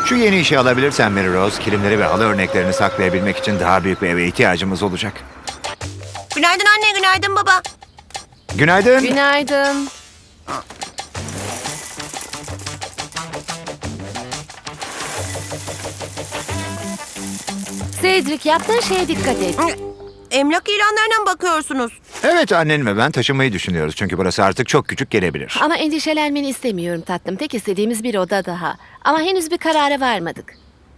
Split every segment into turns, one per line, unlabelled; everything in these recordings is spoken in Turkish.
Şu yeni işi alabilirsen Mary Rose, kilimleri ve halı örneklerini saklayabilmek için daha büyük bir eve ihtiyacımız olacak.
Günaydın anne, günaydın baba.
Günaydın.
Günaydın. Cedric, yaptığın şeye dikkat et.
Emlak ilanlarına mı bakıyorsunuz?
Evet, annen ve ben taşınmayı düşünüyoruz çünkü burası artık çok küçük gelebilir.
Ama endişelenmeni istemiyorum tatlım. Tek istediğimiz bir oda daha. Ama henüz bir karara varmadık.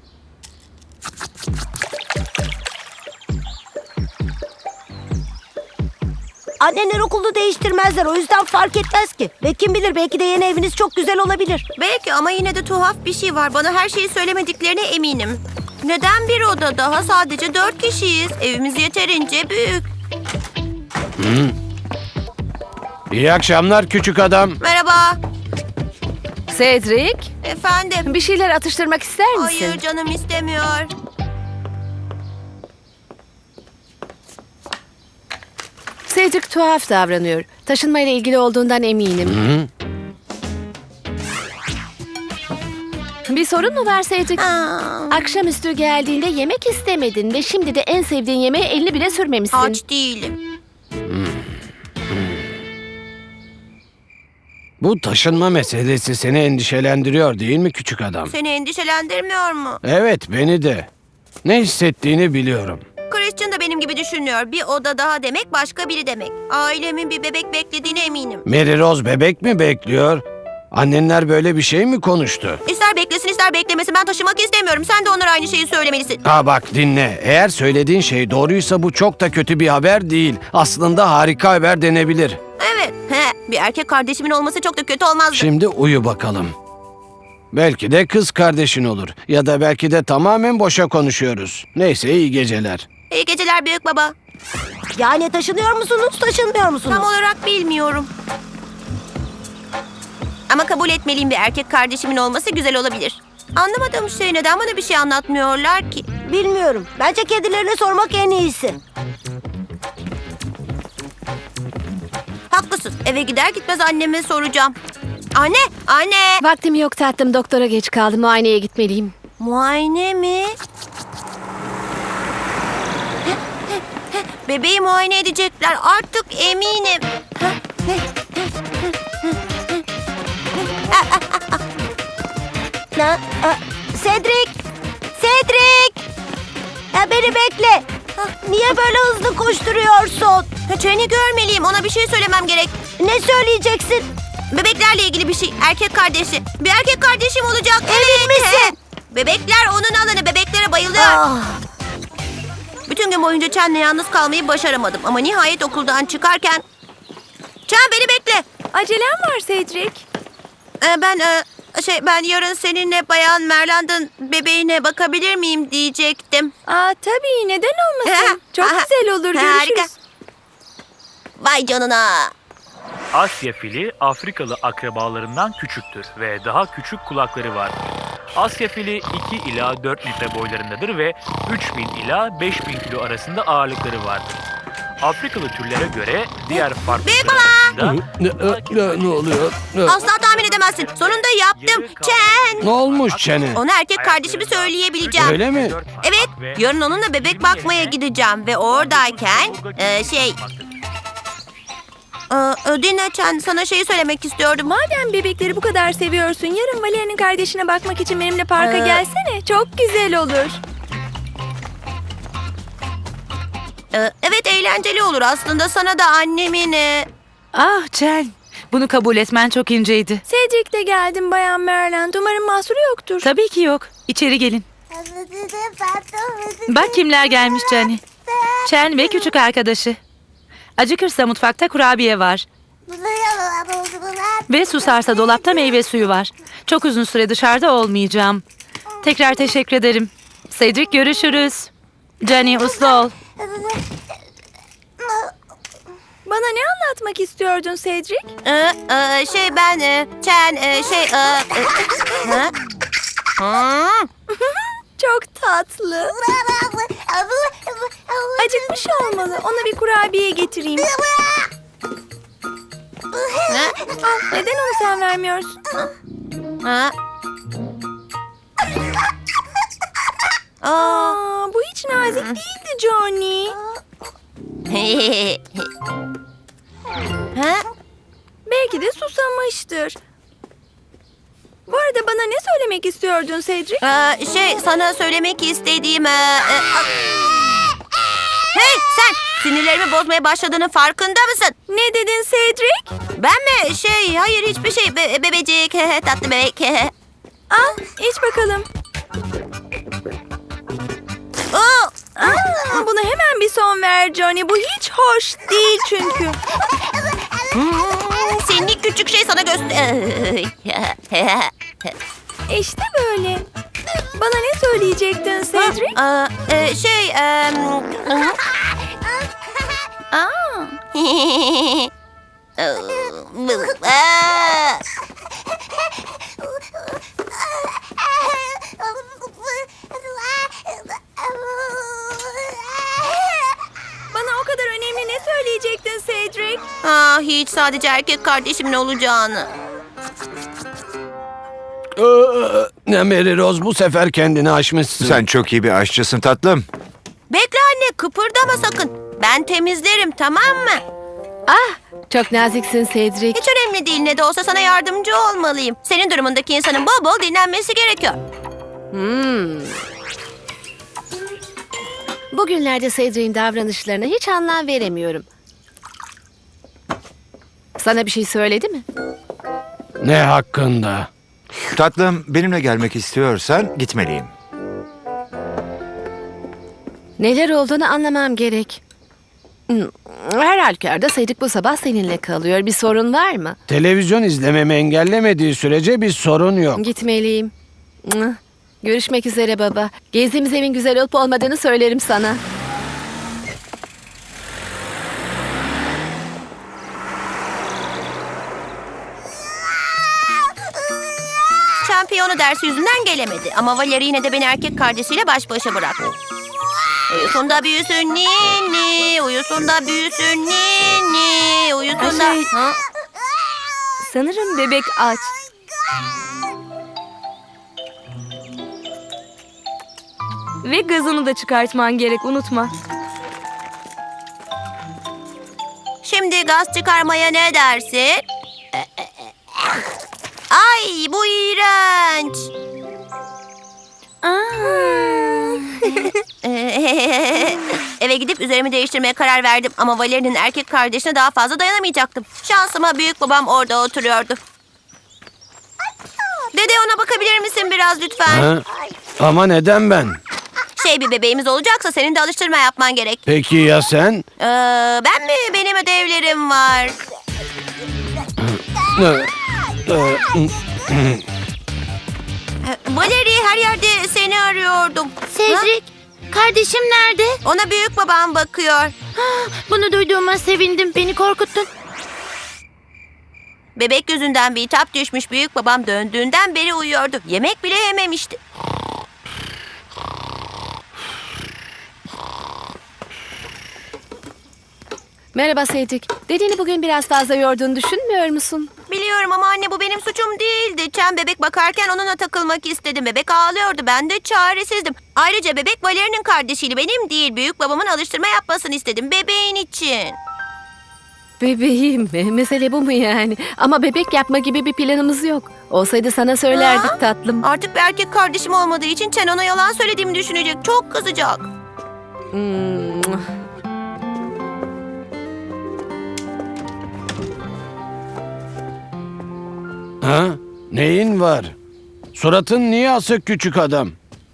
Annenler okulunu değiştirmezler, o yüzden fark etmez ki. Ve kim bilir, belki de yeni eviniz çok güzel olabilir.
Belki ama yine de tuhaf bir şey var. Bana her şeyi söylemediklerine eminim. Neden bir oda daha? Sadece 4 kişiyiz. Evimiz yeterince büyük.
İyi akşamlar küçük adam.
Merhaba.
Cedric,
Efendim.
bir şeyler atıştırmak ister misin?
Hayır, canım istemiyor.
Cedric tuhaf davranıyor. Taşınmayla ilgili olduğundan eminim. Bir sorun mu var Cedric? Akşamüstü geldiğinde yemek istemedin ve şimdi de en sevdiğin yemeğe elini bile sürmemişsin.
Aç değilim.
Bu taşınma meselesi seni endişelendiriyor değil mi küçük adam?
Seni endişelendirmiyor mu?
Evet, beni de. Ne hissettiğini biliyorum.
Christian da benim gibi düşünüyor. Bir oda daha demek başka biri demek. Ailemin bir bebek beklediğine eminim.
Mary Rose bebek mi bekliyor? Annenler böyle bir şey mi konuştu?
İster beklesin ister beklemesin, ben taşımak istemiyorum. Sen de onlara aynı şeyi söylemelisin.
Ha bak dinle. Eğer söylediğin şey doğruysa bu çok da kötü bir haber değil. Aslında harika haber denebilir.
Evet. Bir erkek kardeşimin olması çok da kötü olmazdı.
Şimdi uyu bakalım. Belki de kız kardeşin olur. Ya da belki de tamamen boşa konuşuyoruz. Neyse, iyi geceler.
İyi geceler büyük baba.
Yani taşınıyor musunuz, taşınmıyor musunuz?
Tam olarak bilmiyorum. Ama kabul etmeliyim, bir erkek kardeşimin olması güzel olabilir. Anlamadığım şey, neden bana bir şey anlatmıyorlar ki?
Bilmiyorum. Bence kedilerine sormak en iyisi.
Haklısın. Eve gider gitmez anneme soracağım. Anne, anne.
Vaktim yok tatlım. Doktora geç kaldım. Muayeneye gitmeliyim.
Muayene mi? Bebeği muayene edecekler. Artık eminim.
Cedric! Cedric! Beni bekle. Niye böyle hızlı koşturuyorsun?
Tren'i görmeliyim. Ona bir şey söylemem gerek.
Ne söyleyeceksin?
Bebeklerle ilgili bir şey. Erkek kardeşi. Bir erkek kardeşim olacak.
Emin misin?
Bebekler onun alanı. Bebeklere bayılıyor.
Ah,
Bütün gün boyunca Chen'le yalnız kalmayı başaramadım. Ama nihayet okuldan çıkarken... Chen, beni bekle.
Acelem var Cedric.
Ben yarın seninle Bayan Merland'ın bebeğine bakabilir miyim diyecektim.
Tabii, neden olmasın? Çok güzel olur,
Harika.
görüşürüz.
Vay canına.
Asya fili Afrikalı akrabalarından küçüktür ve daha küçük kulakları vardır. Asya fili 2 ila 4 litre boylarındadır ve 3000 ila 5000 kilo arasında ağırlıkları vardır. Afrikalı türlere göre diğer farklılıklar arasında...
Ne oluyor?
Asla tahmin edemezsin. Sonunda yaptım. Chen.
Ne olmuş Çene?
Ona erkek kardeşimi söyleyebileceğim.
Öyle mi?
Evet. Yarın onunla bebek bakmaya gideceğim ve oradayken dinle Chen, sana şeyi söylemek istiyordum.
Madem bebekleri bu kadar seviyorsun, yarın Valeria'nın kardeşine bakmak için benimle parka gelsene. Çok güzel olur.
Evet, eğlenceli olur aslında. Sana da annemin...
Ah Chen, bunu kabul etmen çok inceydi.
Cedric'le geldim Bayan Merland. Umarım mahsuru yoktur.
Tabii ki yok. İçeri gelin. Bak kimler gelmiş Jenny. Chen ve küçük arkadaşı. Acıkırsa mutfakta kurabiye var. Ve susarsa dolapta meyve suyu var. Çok uzun süre dışarıda olmayacağım. Tekrar teşekkür ederim. Cedric, görüşürüz. Jenny, uslu ol.
Bana ne anlatmak istiyordun Cedric? Çok tatlı. Acıkmış olmalı. Ona bir kurabiye getireyim. Neden onu sen vermiyorsun? nazik değildi Johnny.
Ha?
Belki de susamıştır. Bu arada bana ne söylemek istiyordun Cedric?
Sana söylemek istediğim... Hey sen! Sinirlerimi bozmaya başladığının farkında mısın?
Ne dedin Cedric?
Ben mi? Hayır hiçbir şey. Bebecik, tatlı bebek.
Al, iç bakalım.
Oo!
Buna hemen bir son ver Johnny. Bu hiç hoş değil çünkü.
Seni küçük şey sana göster...
İşte böyle. Bana ne söyleyecektin Cedric? Bana o kadar önemli ne söyleyecektin Cedric?
Hiç sadece erkek kardeşimin olacağını.
Ne Mary Rose, bu sefer kendini aşmışsın.
Sen çok iyi bir aşçısın tatlım.
Bekle anne kıpırdama sakın. Ben temizlerim tamam mı?
Çok naziksin Cedric.
Hiç önemli değil ne de olsa sana yardımcı olmalıyım. Senin durumundaki insanın bol bol dinlenmesi gerekiyor.
Bugünlerde Cedric'in davranışlarına hiç anlam veremiyorum. Sana bir şey söyledi mi?
Ne hakkında?
Tatlım, benimle gelmek istiyorsan gitmeliyim.
Neler olduğunu anlamam gerek. Her halükarda Cedric bu sabah seninle kalıyor. Bir sorun var mı?
Televizyon izlememi engellemediği sürece bir sorun yok.
Gitmeliyim. Görüşmek üzere baba. Gezdiğimiz evin güzel olup olmadığını söylerim sana.
Şampiyonu dersi yüzünden gelemedi. Ama Valeri yine de beni erkek kardeşiyle baş başa bıraktı. Uyusun da büyüsün ninni, uyusun da büyüsün ninni, uyusun da... Ha?
Sanırım bebek aç. Ve gazını da çıkartman gerek, unutma.
Şimdi gaz çıkarmaya ne dersin? Ay bu iğrenç. Eve gidip üzerimi değiştirmeye karar verdim ama Valeri'nin erkek kardeşine daha fazla dayanamayacaktım. Şansıma büyük babam orada oturuyordu. Dede ona bakabilir misin biraz lütfen?
Ha? Ama neden ben?
Bir bebeğimiz olacaksa senin de alıştırma yapman gerek.
Peki ya sen?
Ben mi? Benim ödevlerim var. Valeri her yerde seni arıyordum.
Cedric, kardeşim nerede?
Ona büyük babam bakıyor.
Bunu duyduğuma sevindim. Beni korkuttun.
Bebek yüzünden bir hitap düşmüş büyük babam döndüğünden beri uyuyordu. Yemek bile yememişti.
Merhaba Cedric. Dediğini bugün biraz fazla yorduğunu düşünmüyor musun?
Biliyorum ama anne bu benim suçum değildi. Çen bebek bakarken onunla takılmak istedim. Bebek ağlıyordu. Ben de çaresizdim. Ayrıca bebek Valeri'nin kardeşiydi. Benim değil. Büyük babamın alıştırma yapmasını istedim. Bebeğin için.
Bebeğim mi? Mesele bu mu yani? Ama bebek yapma gibi bir planımız yok. Olsaydı sana söylerdik tatlım.
Artık bir erkek kardeşim olmadığı için Çen ona yalan söylediğimi düşünecek. Çok kızacak.
Ha? Neyin var? Suratın niye asık küçük adam?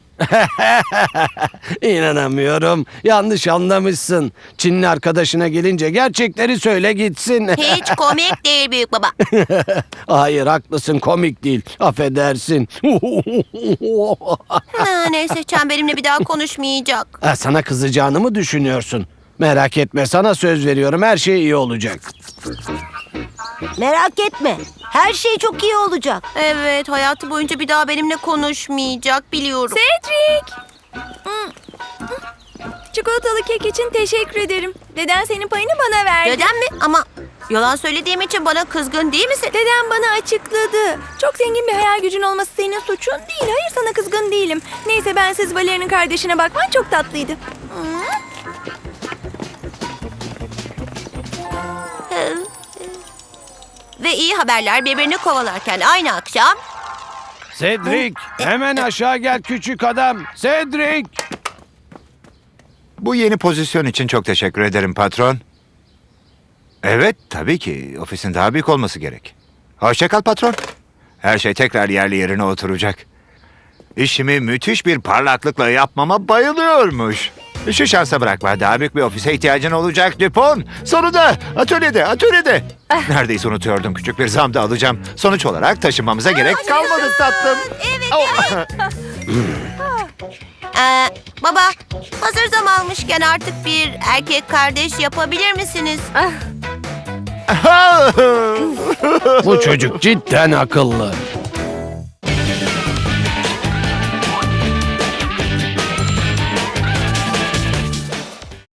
İnanamıyorum. Yanlış anlamışsın. Çinli arkadaşına gelince gerçekleri söyle gitsin.
Hiç komik değil büyük baba.
Hayır, haklısın, komik değil. Affedersin.
Neyse Çen benimle bir daha konuşmayacak.
Sana kızacağını mı düşünüyorsun? Merak etme, sana söz veriyorum, her şey iyi olacak.
Merak etme. Her şey çok iyi olacak.
Evet hayatı boyunca bir daha benimle konuşmayacak biliyorum.
Cedric! Çikolatalı kek için teşekkür ederim. Deden senin payını bana verdi.
Dedem mi? Ama yalan söylediğim için bana kızgın değil misin?
Dedem bana açıkladı. Çok zengin bir hayal gücün olması senin suçun değil. Hayır, sana kızgın değilim. Neyse, bensiz Valeri'nin kardeşine bakman çok tatlıydı.
Ve iyi haberler birbirini kovalarken aynı akşam...
Cedric, hemen aşağı gel küçük adam. Cedric!
Bu yeni pozisyon için çok teşekkür ederim patron. Evet, tabii ki. Ofisin daha büyük olması gerek. Hoşça kal patron. Her şey tekrar yerli yerine oturacak. İşimi müthiş bir parlaklıkla yapmama bayılıyormuş. Şu şansa bırakma. Daha büyük bir ofise ihtiyacın olacak Dupont. Sonunda atölyede. Neredeyse unutuyordum. Küçük bir zam da alacağım. Sonuç olarak taşınmamıza gerek kalmadı tatlım.
Evet. Baba, hazır zam almışken artık bir erkek kardeş yapabilir misiniz?
Bu çocuk cidden akıllı.